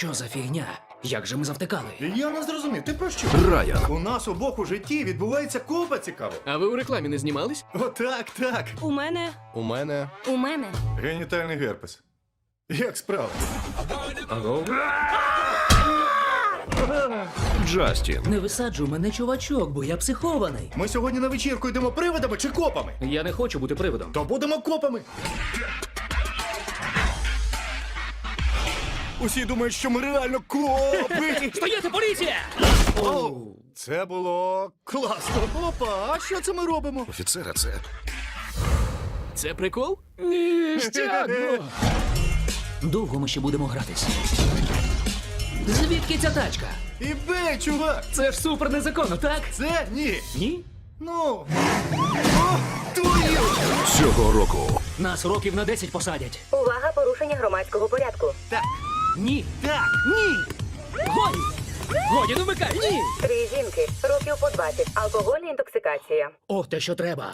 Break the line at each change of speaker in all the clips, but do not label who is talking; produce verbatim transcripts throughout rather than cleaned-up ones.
Що за фігня? Як же ми завтикали?
Я не зрозумів, ти про що?
Райан.
У нас обох у житті відбувається купа цікаво.
А ви у рекламі не знімались?
Отак, так.
У мене.
У мене.
У мене.
Генітальний герпес. Як справа?
Джастін.
Не висаджуй мене, чувачок, бо я психований.
Ми сьогодні на вечірку йдемо привидами чи копами?
Я не хочу бути привидом.
То будемо копами. Усі думають, що ми реально копи.
Стояти, поліція!
Оу, це було класно. Опа, а що це ми робимо?
Офіцера, це.
Це прикол?
Ніштяк! Довго ми ще будемо гратись. Звідки ця тачка?
І бей, чувак!
Це ж супер незаконно, так?
Це ні.
Ні?
Ну. О, твою!
Цього року.
Нас років на десять посадять.
Увага, порушення громадського порядку.
Так,
Ні.
так, ні.
Годі! Годі, не вмикай! Ні!
Три жінки, років по двадцять, алкогольна інтоксикація.
О, те, що треба.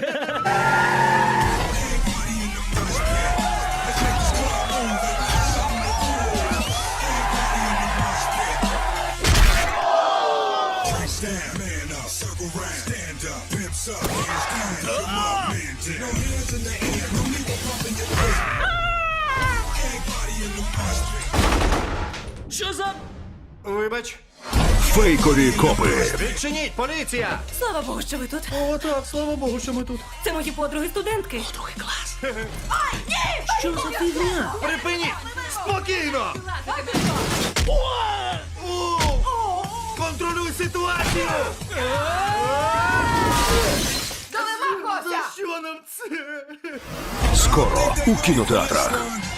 Stand, man up, circle round, stand up, pimps up, hands down, put my man down. No hands in the air, no need to pump in your face. Everybody in the mosh pit.
Що за...
Вибач.
Фейкові копи.
Відчиніть, поліція!
Слава Богу, що ви тут.
О, так, слава Богу, що ми тут.
Це мої подруги-студентки.
Другий клас. Що за фігня?
Припиніть! Спокійно! О! Контролюй ситуацію! За що нам це?
Скоро у кінотеатрах.